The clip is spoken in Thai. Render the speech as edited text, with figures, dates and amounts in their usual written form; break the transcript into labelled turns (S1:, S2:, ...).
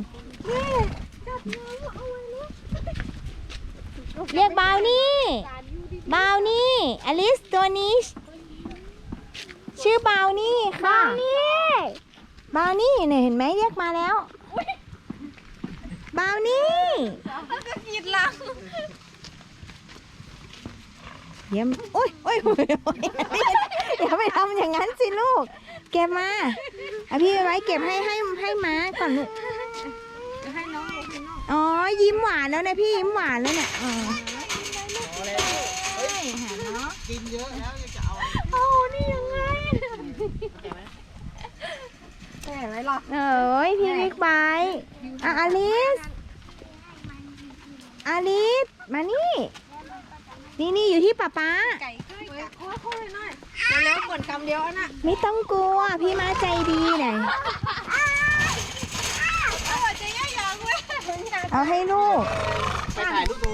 S1: เรียกบาวนี่บาวนี่อลิสตัวนี้ชื่อบาวนี่ค่ะบาวนี่เนี่ยเห็นไหมเรียกมาแล้วบาวนี่ก็กินลังเยี่ยมโอ้ยอย่าไปทำอย่างนั้นสิลูกเก็บมาเอาพี่ไว้เก็บให้ม้าก่อนลูกให้น้องอ๋อยิ้มหวานแล้วนะพี่ยิ้มหวานแล้วเนี่ยอ๋อ
S2: กินเยอะแล้วยังจะเอา
S1: โอ้นี่ยังไงแต่ไหมล่ะเอ้ยพี่บิ๊กไบค์อลิสมานี่นี่อยู่ที่ป๊าไก่ค่อยหน่อยแล้วกดคำเดียวนะไม่ต้องกลัวพี่มาใจดีหน่อยเอาให้ลูก
S2: ไปถ่ายรูป